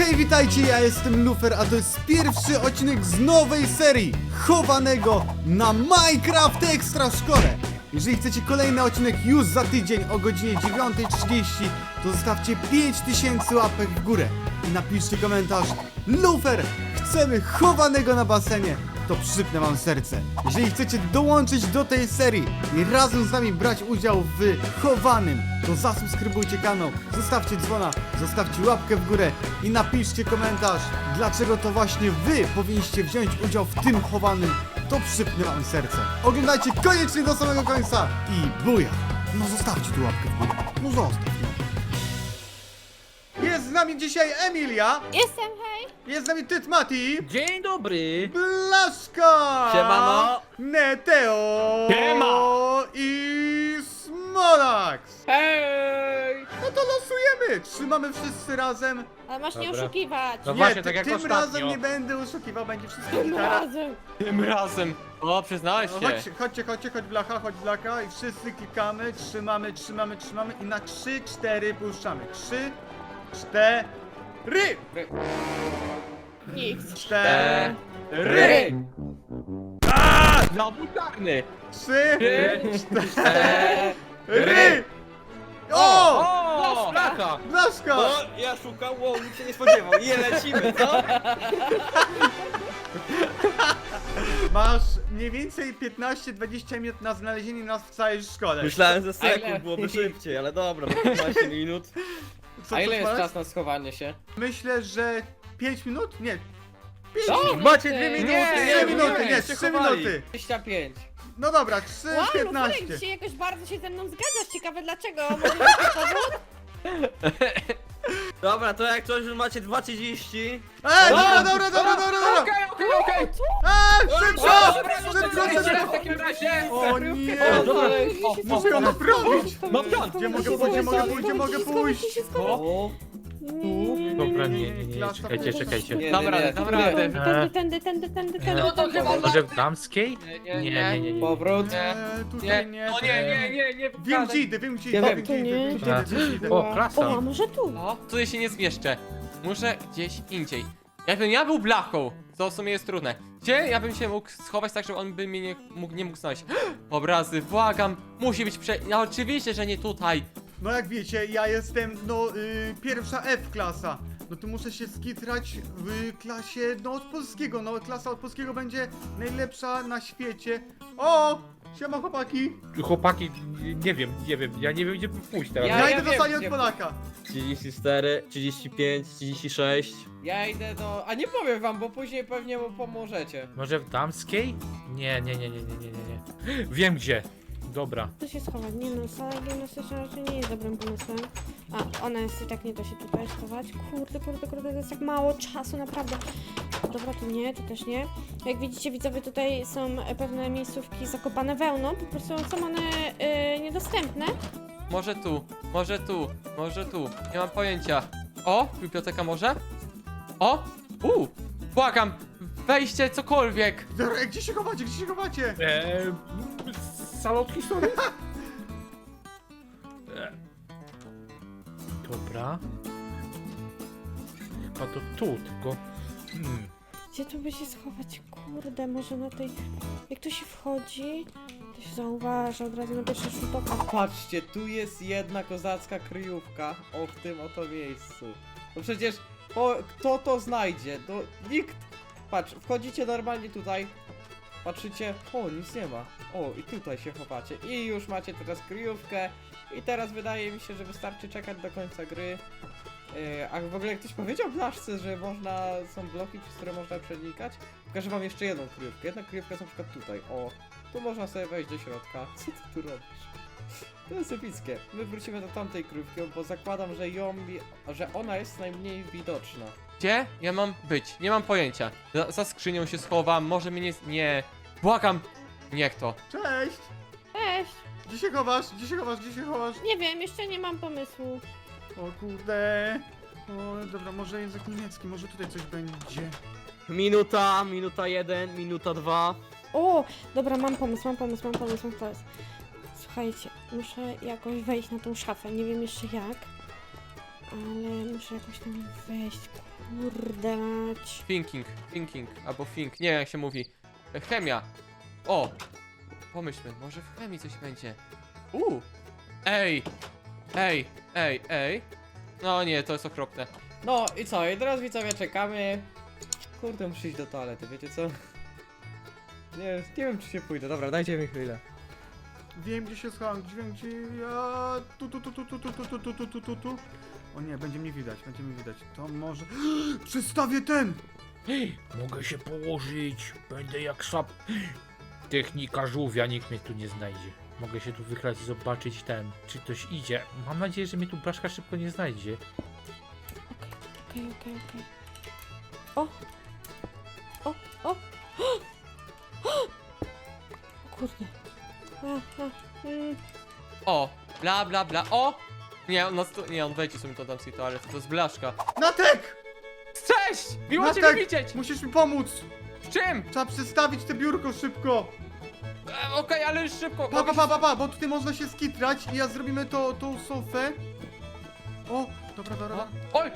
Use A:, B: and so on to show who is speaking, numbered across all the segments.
A: Hej, witajcie, ja jestem Lufer, a to jest pierwszy odcinek z nowej serii chowanego na Minecraft Extra Szkole. Jeżeli chcecie kolejny odcinek już za tydzień o godzinie 9:30, to zostawcie 5000 łapek w górę i napiszcie komentarz: Lufer, chcemy chowanego na basenie, to przypnę wam serce. Jeżeli chcecie dołączyć do tej serii i razem z nami brać udział w chowanym, to zasubskrybujcie kanał, zostawcie dzwona, zostawcie łapkę w górę i napiszcie komentarz, dlaczego to właśnie wy powinniście wziąć udział w tym chowanym, to przypnę wam serce. Oglądajcie koniecznie do samego końca i buja! No zostawcie tu łapkę w górę, no zostaw. Jest z nami dzisiaj Emilia,
B: Jestem, hej!
A: jest z nami Tytmati,
C: Dzień dobry!
A: Blaszka!
C: Siemano!
A: Neteo!
C: Siema!
A: I Smolax!
C: Hej!
A: No to losujemy! Trzymamy wszyscy razem.
B: Ale masz nie
C: Dobra.
B: oszukiwać.
C: No
A: Nie,
C: właśnie, tak jak
A: tym
C: ostatnio.
A: razem nie będę oszukiwał, będzie wszystko
B: Tym
A: gitara.
B: razem.
C: Tym razem! O, przyznałeś
A: No,
C: się!
A: chodź blacha, chodź blaka i wszyscy klikamy, trzymamy i na 3-4 puszczamy. 3, 4,
B: Nikt.
A: 4,
C: Ry! Znowu czarny!
A: 3,
C: Cztery!
A: 4. O!
C: O! Blaka!
A: Blaszka!
D: No, ja szukam, wow, nikt się nie spodziewał. I lecimy, co?
A: Masz mniej więcej 15-20 minut na znalezienie nas w całej szkole.
D: Myślałem, że
C: A ile?
D: sekund byłoby szybciej, ale dobra, 15 minut.
A: Co,
C: A ile
A: co,
C: jest
A: Smolak?
C: czas na schowanie się?
A: Myślę, że 5 minut? Nie. 5
C: Co?
A: minut.
D: Macie 2 minuty,
C: Nie,
A: 3 minuty, nie,
D: się
A: 3
D: chowali.
A: minuty.
C: 25.
A: No dobra,
B: Wow, Luferek,
A: 3:15.
B: dzisiaj jakoś bardzo się ze mną zgadzasz. Ciekawe dlaczego. Może jakiś powód?
D: Dobra, to jak coś, że macie 2:30.
A: Dobra.
C: Okej!
A: Szybko!
C: W takim razie!
A: O nie! Muszę
C: O,
A: ją naprawić!
C: No piąt!
A: Gdzie mogę pójść?
D: O,
E: Dobra, nie,
A: Klasa
E: czekajcie.
D: nie,
C: Dam radę, dam radę.
B: Tędy.
C: No to chyba...
E: Może w damskiej? Nie.
D: powrót.
A: Tutaj nie.
C: No nie,
A: Wiem
C: pokażę.
A: gdzie idę, wiem gdzie
D: Nie
A: idę,
D: wiem.
A: wiem gdzie idę, wiem gdzie idę.
E: O, klasa.
B: O, a może tu?
C: O, tutaj się nie zmieszczę. Muszę gdzieś indziej. Jakbym ja był blachą, to w sumie jest trudne. Gdzie ja bym się mógł schować tak, żeby on by mnie nie mógł znaleźć? Obrazy, błagam, musi być No oczywiście, że nie tutaj.
A: No jak wiecie, ja jestem, pierwsza F klasa. No to muszę się skitrać w klasie, od polskiego. No klasa od polskiego będzie najlepsza na świecie. O! Siema chłopaki!
E: Chłopaki, nie wiem, ja nie wiem gdzie pójść teraz.
A: Ja idę do
C: wiem,
A: sali od
C: gdzie-
A: Polaka.
D: 34, 35, 36.
C: Ja idę do... A nie powiem wam, bo później pewnie mu pomożecie.
E: Może w damskiej? Nie. Wiem gdzie. Dobra.
B: Tu się schować. Nie no, sala gimnastyczna raczej nie jest dobrym pomysłem. A, ona jest i tak nie da się tutaj schować. Kurde, to jest tak mało czasu, naprawdę. Dobra, tu nie, tu też nie. Jak widzicie, widzowie, tutaj są pewne miejscówki zakopane wełną. Po prostu są one niedostępne.
C: Może tu. Nie mam pojęcia. O, biblioteka może? O! Błagam! Wejście, cokolwiek!
A: Dobra, gdzie się chowacie?
E: Salon historii? Dobra. Chyba to tu, tylko...
B: Gdzie tu by się schować? Kurde, może na tej... Jak tu się wchodzi, to się zauważa od razu na pierwszy rzut oka.
D: Patrzcie, tu jest jedna kozacka kryjówka. O, w tym oto miejscu. No przecież, kto to znajdzie? No, nikt. Patrz, wchodzicie normalnie tutaj. Patrzycie, o, nic nie ma. O, i tutaj się chowacie. I już macie teraz kryjówkę. I teraz wydaje mi się, że wystarczy czekać do końca gry. A w ogóle ktoś powiedział Blaszce, że są bloki, przez które można przenikać? Pokażę wam jeszcze jedną kryjówkę. Jedna kryjówka jest na przykład tutaj. O, tu można sobie wejść do środka. Co ty tu robisz? To jest epickie. My wrócimy do tamtej kryjówki, bo zakładam, że ona jest najmniej widoczna.
C: Gdzie ja mam być? Nie mam pojęcia. Za skrzynią się schowam, może mnie nie... Nie. Błagam! Niech to.
A: Cześć!
B: Cześć!
A: Gdzie się chowasz?
B: Nie wiem, jeszcze nie mam pomysłu.
A: O kurde. O, dobra, może język niemiecki, może tutaj coś będzie.
D: Minuta 1, minuta 2.
B: O, dobra, mam pomysł. Słuchajcie, muszę jakoś wejść na tą szafę, nie wiem jeszcze jak. Ale muszę jakoś tam wejść, kurde mać.
C: Thinking, albo think, nie wiem jak się mówi. Chemia. O! Pomyślmy, może w chemii coś będzie. Ej! Ej! No nie, to jest okropne.
D: No i co? I teraz widzowie czekamy. Kurde, muszę iść do toalety, wiecie co? Nie wiem czy się pójdę. Dobra, dajcie mi chwilę.
A: Wiem gdzie się schowam, wiem gdzie ja... Tu. O nie, będzie mnie widać. To może... Przestawię ten!
E: Mogę się położyć, będę jak sap. Technika żółwia, nikt mnie tu nie znajdzie. Mogę się tu wychlać i zobaczyć czy ktoś idzie. Mam nadzieję, że mnie tu blaszka szybko nie znajdzie.
B: Okej. O! O! Kurde.
C: O! Bla. O! Nie, on wejdzie sobie do damskiej toalety, to jest blaszka.
A: Natek!
C: Cześć! Miło cię
A: Natek!
C: widzieć!
A: Musisz mi pomóc!
C: W czym?
A: Trzeba przestawić te biurko szybko!
C: Okej, ale już szybko.
A: Pa, bo tutaj można się skitrać i ja zrobimy tą sofę. O, dobra.
C: Oj!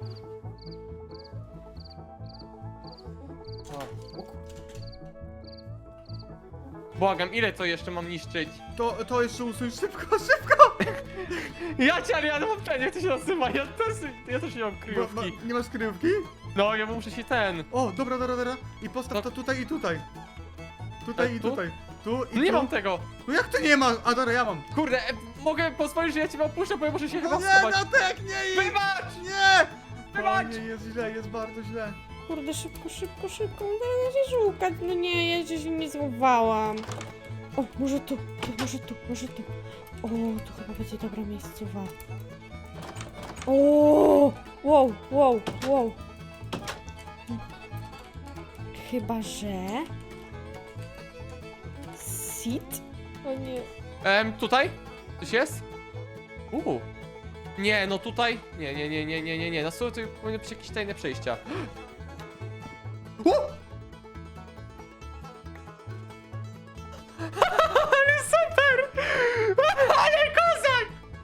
C: Błagam, ile to jeszcze mam niszczyć?
A: To jeszcze usuń szybko!
C: Ja cię, ale ja mam ten, jak to się nazywa? Ja też nie mam
A: Bo,
C: kryjówki.
A: nie masz kryjówki?
C: No, ja muszę się ten.
A: O, dobra. I postaw to tutaj i tutaj. Tutaj i
C: tu?
A: tutaj. Tu i
C: Nie
A: tu.
C: mam tego.
A: No jak ty nie masz? A dobra, ja mam.
C: Kurde, mogę pozwolić, że ja cię opuszczę, bo ja muszę się chyba
A: No nie,
C: schować.
A: Natek, nie idź!
C: Wybacz!
A: Nie!
C: Wybacz!
A: O nie, jest źle, jest bardzo źle.
B: Kurde, szybko. Teraz się szukać. No nie, ja jeszcze się nie złowałam. O, może tu. O, to chyba będzie dobra miejscowa. O! Wow. Chyba, że... Sit? O nie.
C: Tutaj? Coś jest? Nie, no tutaj. Nie. Na stół to powinny być jakieś tajne przejścia. Ale super! Ale kozak!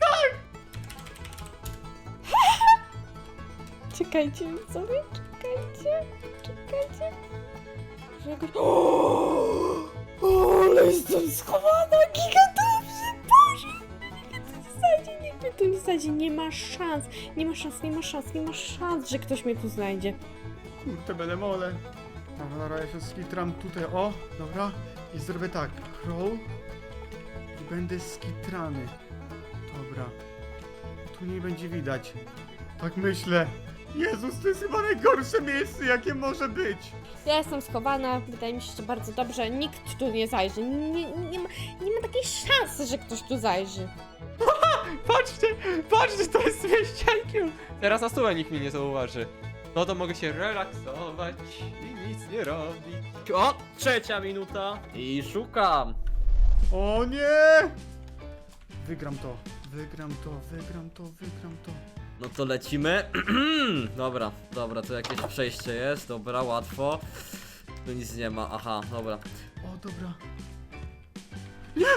B: Czekajcie sobie, czekajcie. Że jakoś... O, ale jestem schowana, gigantownie, Boże! Nikt mnie tu nie znajdzie, nie ma szans, że ktoś mnie tu znajdzie.
A: Kurde, będę mole. Dobra, ja się skitram tutaj, o, dobra. I zrobię tak, crawl. I będę skitrany. Dobra. Tu nie będzie widać. Tak myślę. Jezus, to jest chyba najgorsze miejsce, jakie może być.
B: Ja jestem schowana, wydaje mi się, że bardzo dobrze, nikt tu nie zajrzy, nie ma takiej szansy, że ktoś tu zajrzy.
C: Patrzcie, to jest wieściankiem. Teraz na stół nikt mnie nie zauważy. No to mogę się relaksować i nic nie robić.
F: O, 3 minuta i szukam.
A: O nie! Wygram to.
F: No to lecimy. Dobra, to jakieś przejście jest, dobra, łatwo. Tu nic nie ma, aha, dobra.
A: O, dobra. Nie!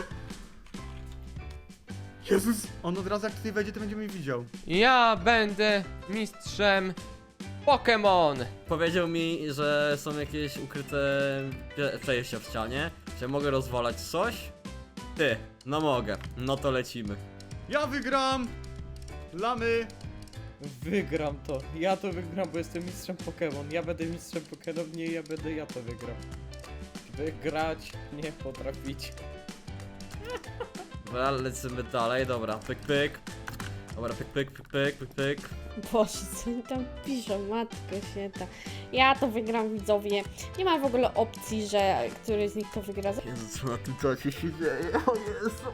A: Jezus! On od razu jak tutaj wejdzie, to będzie mnie widział.
C: Ja będę mistrzem Pokémon.
F: Powiedział mi, że są jakieś ukryte przejścia w ścianie. Czy mogę rozwalać coś? Ty, no mogę, no to lecimy.
A: Ja wygram! Lamy!
D: Wygram to. Ja to wygram, bo jestem mistrzem Pokémon. Ja będę mistrzem Pokémon, nie ja to wygram. Wygrać nie potrafić.
F: Dobra, lecimy dalej, dobra, pyk. Dobra, pyk.
B: Boże, co oni tam piszą, matko święta. Ja to wygram, widzowie. Nie ma w ogóle opcji, że któryś z nich to wygra.
F: Jezu, co na tym czacie się dzieje? O Jezu.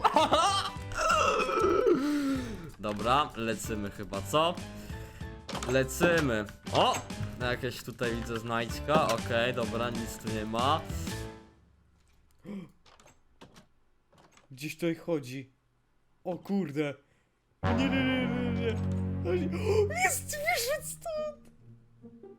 F: Dobra, lecimy chyba, co? Lecimy. O! Jakieś tutaj widzę znajdźka, okej, dobra, nic tu nie ma.
D: Gdzieś tutaj chodzi. O kurde. Nie. Jest, wyszedł stąd.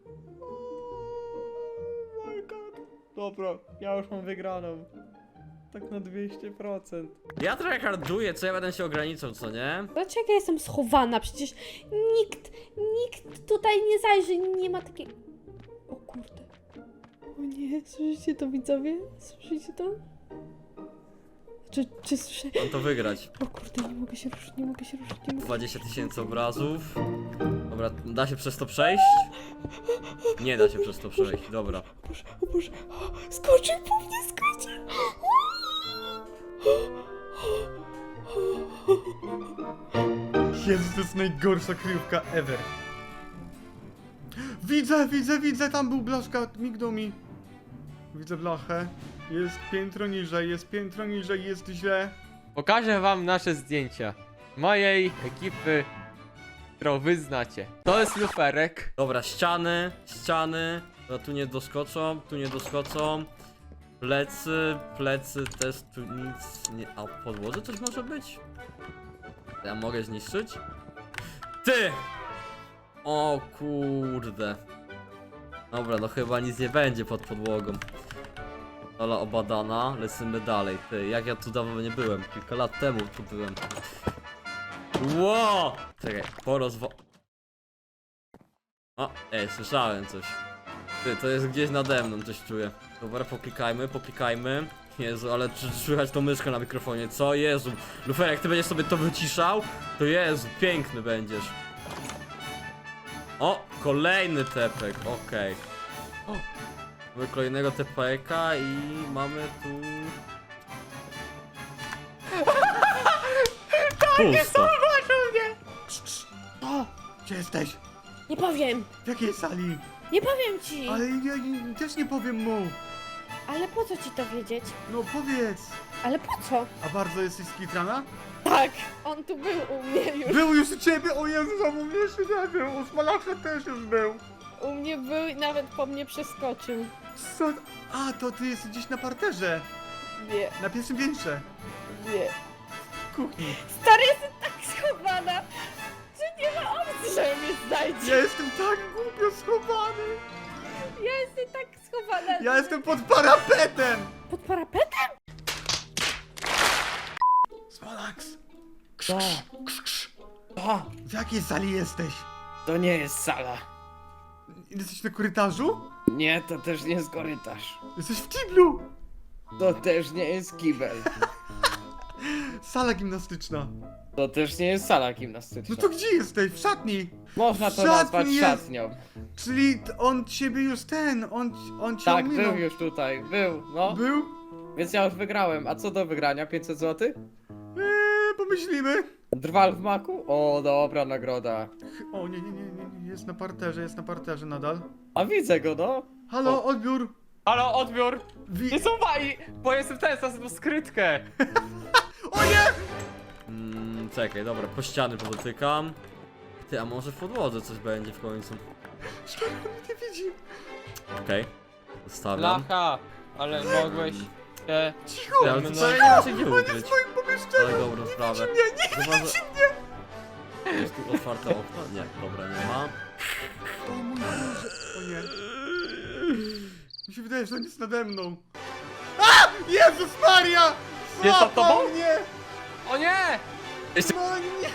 D: Oh my god. Dobra, ja już mam wygraną. Tak na 200%.
F: Ja trochę harduję, co ja będę się ograniczał, co nie?
B: Dlaczego ja jestem schowana? Przecież nikt tutaj nie zajrzy, nie ma takiej... O kurde. O nie, słyszycie to, widzowie? Słyszycie to? Czy słyszę?
F: Mam to wygrać.
B: O kurde, nie mogę się ruszyć, nie mogę się ruszyć, nie mogę.
F: 20 000 obrazów. Dobra, da się przez to przejść? Nie da się przez to przejść, dobra.
B: O Boże, o, skoczył po mnie, skoczył!
A: Jezu, to jest najgorsza kryjówka ever. Widzę, tam był blaszka, mignął mi. Widzę blachę. Jest piętro niżej, jest źle.
C: Pokażę wam nasze zdjęcia mojej ekipy, którą wy znacie. To jest luferek.
F: Dobra, ściany. No, tu nie doskoczą. Plecy też tu nic nie... A w podłodze coś może być? Ja mogę zniszczyć? Ty! O kurde. Dobra, no chyba nic nie będzie pod podłogą. Sala obadana, lecimy dalej. Ty, jak ja tu dawno nie byłem? Kilka lat temu tu byłem. Ło! Czekaj, O, słyszałem coś. Ty, to jest gdzieś nade mną, coś czuję. Dobra, poklikajmy. Jezu, ale czy słychać tą myszkę na mikrofonie? Co? Jezu. Lufer, jak ty będziesz sobie to wyciszał, to Jezu, piękny będziesz. O, kolejny tepek, okej. O, mamy kolejnego tepeka i mamy tu... Pusto.
A: O! Gdzie jesteś?
B: Nie powiem!
A: W jakiej sali?
B: Nie powiem ci!
A: Ale ja też nie powiem mu.
B: Ale po co ci to wiedzieć?
A: No powiedz.
B: Ale po co?
A: A bardzo jesteś skitrana?
B: Tak! On tu był u mnie już.
A: Był już u ciebie, o Jezu, u mnie jeszcze nie był, u Smalacha też już był.
B: U mnie był i nawet po mnie przeskoczył.
A: Co? A, to ty jesteś gdzieś na parterze,
B: Nie,
A: na pierwszym piętrze,
B: nie.
A: w kuchni.
B: Stary, jestem tak schowana, że nie ma opcji, że mnie znajdzie.
A: Ja jestem tak głupio schowany.
B: Ja jestem tak schowana.
A: Ja jestem pod parapetem.
B: Pod parapetem?
A: Smalax,
D: Co? Co?
A: w jakiej sali jesteś?
D: To nie jest sala.
A: Jesteś na korytarzu?
D: Nie, to też nie jest korytarz.
A: Jesteś w kiblu.
D: To też nie jest kibel.
A: Sala gimnastyczna.
D: To też nie jest sala
A: No
D: gimnastyczna.
A: to gdzie jesteś? W szatni.
D: Można to
A: szatni
D: nazwać
A: jest.
D: szatnią.
A: Czyli on ciebie już on cię
D: Tak,
A: ominął.
D: był już tutaj, był, no.
A: Był?
D: Więc ja już wygrałem. A co do wygrania? 500 zł?
A: Pomyślimy.
D: Drwal w maku? O, dobra nagroda.
A: O nie, jest na parterze nadal.
D: A widzę go, no.
A: Halo, odbiór.
C: Halo, odbiór!
A: Wi
C: Nie słuchaj! Bo jestem ten, znalazłem skrytkę!
A: O nie!
F: Czekaj, dobra, po ściany podotykam. Ty, a może w podłodze coś będzie w końcu?
A: Stary, on mnie nie widzi.
F: Okej. Zostawiam.
C: Lacha! Ale mogłeś się...
A: Cicho!
F: Ty, ale
C: No,
F: to
C: no.
F: co, ja nie ma się gdzie
A: On jest
F: ukryć.
A: w moim pomieszczeniu.
F: Ale dobrą sprawę.
A: Nie
F: Chyba, że... Jest tu otwarte okno? Nie, dobra, nie ma.
A: O mój Boże. O nie. Mi się wydaje, że on jest nade mną. A! Jezus Maria!
C: Jest za
A: Złapał
C: tobą?
A: mnie!
C: O nie!
A: No nie!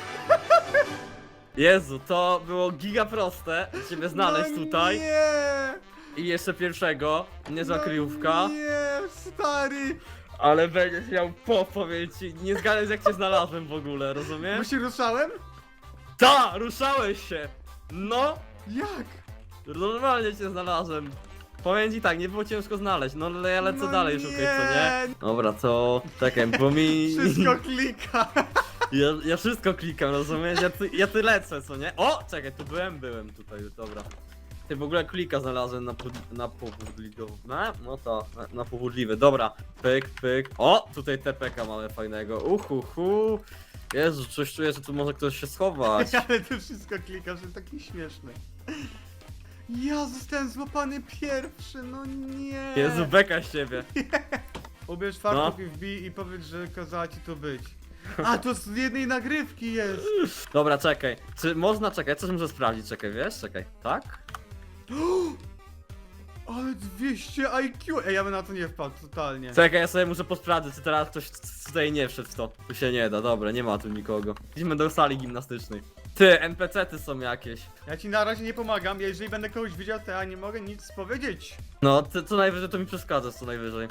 F: Jezu, to było giga proste. Ciebie znaleźć
A: no
F: tutaj.
A: Nie!
F: I jeszcze pierwszego. Niezła kryjówka.
A: Nie, stary!
F: Ale będziesz miał powiem ci. Nie zgadnę jak cię znalazłem w ogóle,
A: Bo
F: rozumiesz?
A: się ruszałem?
F: Ta! Ruszałeś się! No!
A: Jak?
F: Normalnie cię znalazłem. Powiem ci tak, nie było ciężko znaleźć, no ale ja lecę
A: No
F: dalej szukać, co nie?
A: nie.
F: Dobra, to... Czekaj, bo mi...
A: Wszystko klika.
F: Ja wszystko klikam, rozumiesz? Ja ty lecę, co nie? O! Czekaj, tu byłem tutaj, dobra. Ty w ogóle klika znalazłem na powodliwe. No to, na powodliwe. Dobra, pyk. O! Tutaj TPK mamy fajnego. Uhuhu. Jezu, coś czuję, że tu może ktoś się schować.
A: Ale ty wszystko klikasz, jest taki śmieszny. Ja zostałem złapany pierwszy, no nie.
F: Jezu, beka z ciebie.
A: Ubierz fartuch i wbij i powiedz, że kazała ci tu być. A, to z jednej nagrywki jest.
F: Dobra, czekaj. Czy można, czekaj, coś muszę sprawdzić, czekaj, wiesz? Czekaj, tak?
A: Ale 200 IQ! Ej, ja bym na to nie wpadł, totalnie.
F: Czekaj, ja sobie muszę posprawdzić, czy teraz ktoś tutaj nie wszedł w to. Tu się nie da, dobra, nie ma tu nikogo. Idźmy do sali gimnastycznej. Ty, NPC-ty są jakieś.
A: Ja ci na razie nie pomagam, jeżeli będę kogoś widział, to ja nie mogę nic powiedzieć.
F: No, ty co najwyżej to mi przeszkadzasz, co najwyżej.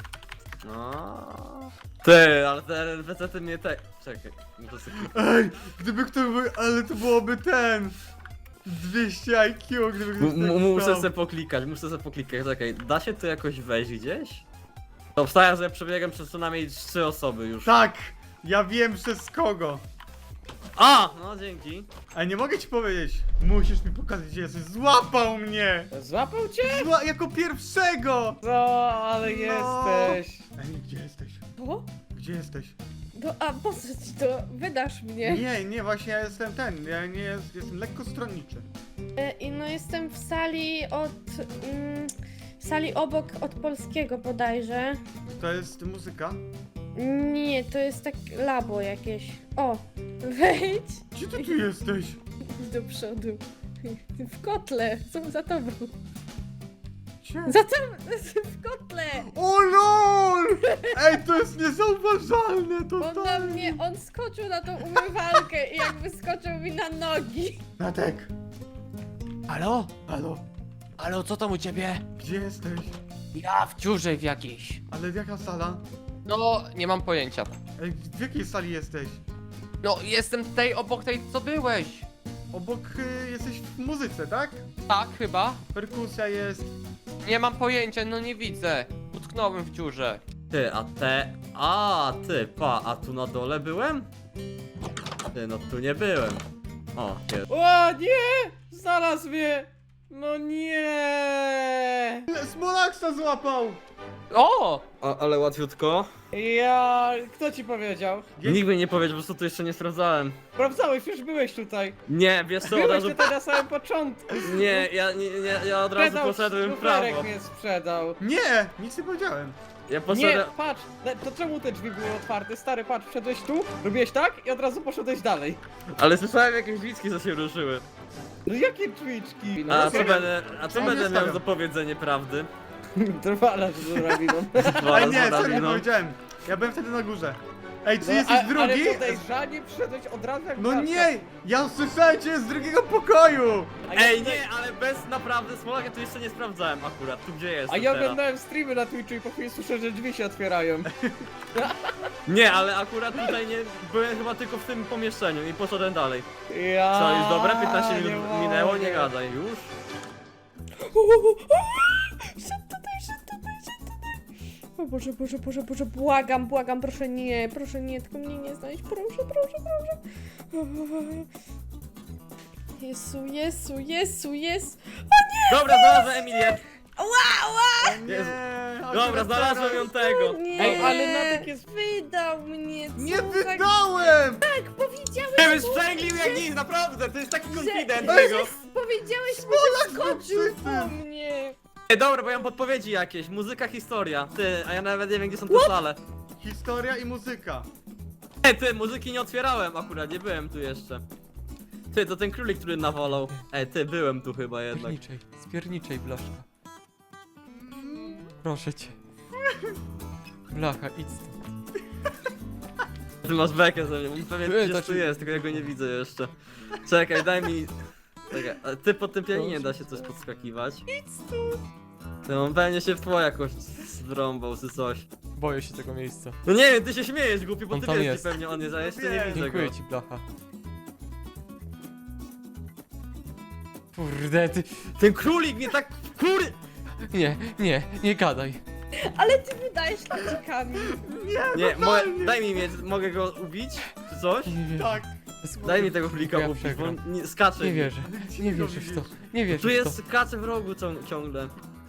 F: No. Ty, ale te NPC-ty mnie te... Czekaj, muszę sobie...
A: Ej, gdyby ktoś był, ale to byłoby ten... 200 IQ, gdyby ktoś tak
F: Muszę
A: stał.
F: sobie poklikać, czekaj, da się tu jakoś wejść gdzieś? To wstaję, że ja przebiegam przez co najmniej 3 osoby już.
A: Tak! Ja wiem przez kogo.
F: A! No dzięki.
A: Ale nie mogę ci powiedzieć. Musisz mi pokazać, gdzie jesteś. Złapał mnie!
D: Złapał cię?
A: Jako pierwszego!
D: No, ale
A: No.
D: jesteś.
A: Ej, gdzie jesteś?
B: O?
A: Gdzie jesteś?
B: No, a po co ci to? Wydasz mnie.
A: Nie, właśnie ja jestem ten. Ja nie jestem lekko stronniczy.
B: I no jestem w sali w sali obok od polskiego bodajże.
A: To jest muzyka.
B: Nie, to jest tak labo jakieś. O, wejdź
A: Gdzie ty tu jesteś?
B: do przodu. W kotle, są za tobą.
A: Gdzie?
B: Za tobą, w kotle!
A: O lol! Ej, to jest niezauważalne,
B: On na
A: totalnie.
B: mnie, on skoczył na tą umywalkę i jakby skoczył mi na nogi.
A: Natek,
C: Halo?
A: halo,
C: Halo, co tam u ciebie?
A: gdzie jesteś?
C: Ja w dziurze w jakiejś.
A: Ale jaka sala?
C: No, nie mam pojęcia.
A: Ej, w jakiej sali jesteś?
C: No, jestem tej obok tej, co byłeś.
A: Obok jesteś w muzyce, tak?
C: Tak, chyba.
A: Perkusja jest.
C: Nie mam pojęcia, no nie widzę. Utknąłem w dziurze.
F: Ty, a te... A, ty, a tu na dole byłem? Ty, no tu nie byłem. O, jest.
D: O nie! Znalazł mnie! No nie!
A: Smolaksa złapał!
C: O!
F: Ale łatwiutko.
D: Ja... Kto ci powiedział?
F: Nikt mi nie powiedział, po prostu tu jeszcze nie sprawdzałem.
D: Sprawdzałeś, już byłeś tutaj.
F: Nie, wiesz co, od
D: Byłeś
F: razu...
D: tutaj na samym początku.
F: Nie, ja od razu
D: Sprzedał,
F: poszedłem w
D: szuferek
F: prawo.
D: mnie sprzedał.
A: Nie, nic nie powiedziałem.
F: Ja
D: Nie,
F: poszedłem...
D: patrz, to czemu te drzwi były otwarte? Stary, patrz, wszedłeś tu, robiłeś tak i od razu poszedłeś dalej.
F: Ale słyszałem jakieś widzki, co się ruszyły.
D: No jakie drzwiczki? No,
F: A
A: serio?
F: co
A: Ja
F: będę
A: nie
F: miał
A: stawiam.
F: za powiedzenie prawdy?
D: Trwala z drabiną.
A: Ale nie,
F: Zaraz,
A: serio nie
F: no.
A: powiedziałem. Ja byłem wtedy na górze. Ej, czy
D: No,
A: jesteś
D: ale
A: drugi?
D: podejrzanie przyszedłeś od razu jak
A: No
D: wracał.
A: nie! Ja słyszałem cię z drugiego pokoju!
D: A ja
F: Ej,
D: tutaj-
F: nie, ale bez naprawdę Smolak, ja tu jeszcze nie sprawdzałem akurat, tu gdzie jest
D: A ja
F: teraz.
D: oglądałem streamy na Twitchu i po chwili słyszę, że drzwi się otwierają.
F: Nie, ale akurat tutaj nie, byłem chyba tylko w tym pomieszczeniu i poszedłem dalej.
D: Ja...
F: Co, już dobre? 15 minut
D: nie
F: minęło?
D: mogę.
F: Nie gadaj, już?
B: Szedł tutaj, szedł tutaj, szedł tutaj. O Boże, Boże, Boże, Boże, błagam, błagam, proszę nie, tylko mnie nie znaleźć, proszę, proszę, proszę. Jezu, Jezu, Jezu, Jezu.
F: Dobra, znalazłem Emilię. Jezu.
A: Nie,
F: Dobra, znalazłem ją tego.
B: Nie,
D: Ej, ale Natek jest...
B: wydał mnie, co
A: Nie
B: za-
A: wydałem!
B: Tak, powiedziałeś,
F: Nie wiem, sprzęglił jak nic, naprawdę, to jest taki konfident
B: że,
F: tego.
B: powiedziałeś mi, że skoczył
A: był
B: po mnie.
F: Ej, dobra, bo ja mam podpowiedzi jakieś, muzyka, historia. Ty, a ja nawet nie wiem, gdzie są te sale.
A: Historia i muzyka.
F: Ej, ty, muzyki nie otwierałem akurat, nie byłem tu jeszcze. Ty, to ten królik, który nawalał. Ej, ty, byłem tu chyba jednak.
C: Spierniczej, blaszka. Proszę cię. Blacha, idź stąd.
F: Ty masz bekę ze mnie, on pewnie
C: Ty,
F: gdzieś
C: to
F: tu
C: ci-
F: jest, tylko ja go nie widzę jeszcze. Czekaj, daj mi... Czekaj, a ty po tym pianinie da się coś podskakiwać. Ty, on pewnie się w tło jakoś zrąbał czy coś.
C: Boję się tego miejsca.
F: No nie wiem, ty się śmiejesz głupi, bo
C: On
F: ty
C: tam
F: wiesz
C: jest.
F: gdzie pewnie on jest, a ja jeszcze nie
A: Wiem.
F: widzę go.
C: Dziękuję ci, blacha. Kurde, ty...
F: Ten królik mnie tak...
C: Nie gadaj.
B: Ale ty wydajesz ludzikami.
F: Nie, daj mi mieć, mogę go ubić? Czy coś?
C: Nie wierzę.
A: Tak.
F: Daj mi tego królika
C: Ja
F: ubić, bo
C: przegram.
F: on nie, skacze.
C: Nie wierzę.
A: Gdzie
C: Nie
A: go
C: wierzę w to.
A: widzisz?
C: Nie wierzę
F: Tu
C: w
F: jest skacze w rogu ciągle.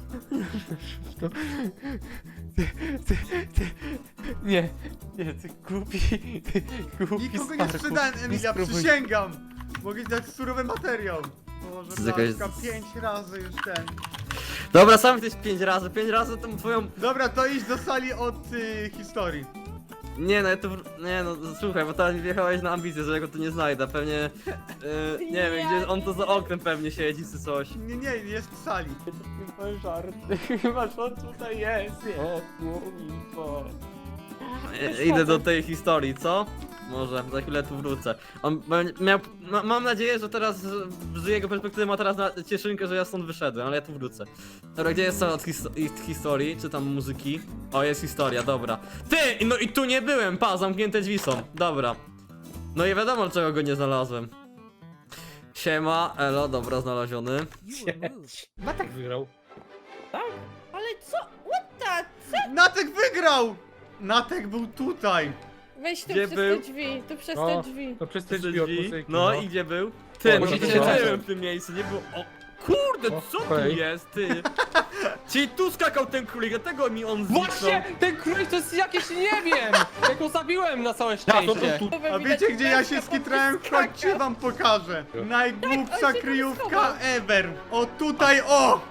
C: to. Nie, ty głupi. Ty głupi
A: Nikogo nie
C: starku.
A: sprzedałem, Emilia,
C: spróbuj.
A: przysięgam! Mogę ci dać surowy materiał. Boże,
F: To jest jakaś-
A: Blaszka, 5 razy już ten.
F: Dobra, sam jesteś 5 razy tą twoją...
A: Dobra, to idź do sali od historii.
F: Nie no, ja tu... Nie no, słuchaj, bo teraz mi wjechałeś na ambicję, że ja go tu nie znajdę, pewnie... nie wiem, gdzie on to za oknem pewnie siedzi czy coś.
A: Nie, jest w sali.
C: Chyba żarty, chyba że on tutaj jest. O kurwa.
F: Idę do tej historii, co? Może, za chwilę tu wrócę. On miał... mam nadzieję, że teraz, z jego perspektywy ma teraz cieszynkę, że ja stąd wyszedłem, ale ja tu wrócę. Dobra, gdzie jest cała od historii, czy tam muzyki? O, jest historia, dobra. Ty! No i tu nie byłem, pa, zamknięte drzwi są, dobra. No i wiadomo, dlaczego go nie znalazłem. Siema, elo, dobra, znaleziony.
E: Matek wygrał.
B: Ale co? What the?
A: Natek wygrał! Natek był tutaj.
B: Weź tu
F: Gdzie
B: przez
F: był?
B: te drzwi, tu przez
E: No.
B: te drzwi.
E: No przez te
F: Te
E: drzwi od
F: drzwi.
E: muzyki,
F: No i gdzie był? Ty,
E: O,
F: no
E: no
F: nie
E: to
F: siedziałem
E: nie.
F: w tym miejscu, nie było... O kurde, co tu
E: Okej.
F: jest, ty? Czyli tu skakał ten królik, dlatego mi on zniknął.
C: Właśnie! Ten królik to jest jakieś, nie wiem! Jak go zabiłem na całe
E: Ja, to
C: szczęście.
E: tu.
A: A wiecie gdzie ja się skitrałem? Chodźcie wam pokażę. Najgłupsza
B: on się
A: kryjówka
B: schował.
A: ever. O tutaj, o!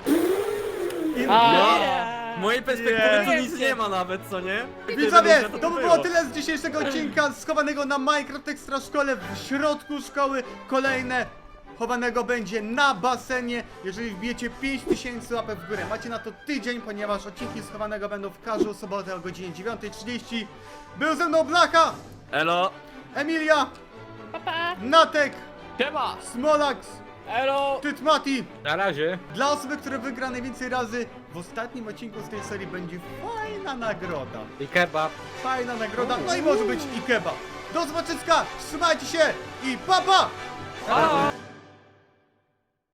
F: W mojej perspektywy tu nic nie ma nawet, co nie?
A: Widzowie,
F: Tyle, że
A: to by było tyle z dzisiejszego odcinka schowanego na Minecraft Extra Szkole. W środku szkoły kolejne chowanego będzie na basenie. Jeżeli wbijecie 5000 łapek w górę, macie na to tydzień, ponieważ odcinki schowanego będą w każdą sobotę o godzinie 9:30. Był ze mną Blacha,
F: Elo,
A: Emilia,
B: Papa!
A: Natek,
C: Siema!
A: Smolax,
C: Elo!
A: Tytmati.
E: Na razie.
A: Dla osoby, która wygra najwięcej razy w ostatnim odcinku z tej serii będzie fajna nagroda.
E: I kebab.
A: Fajna nagroda, no i może być i kebab. Do zobaczenia, trzymajcie się i pa pa!
C: Pa!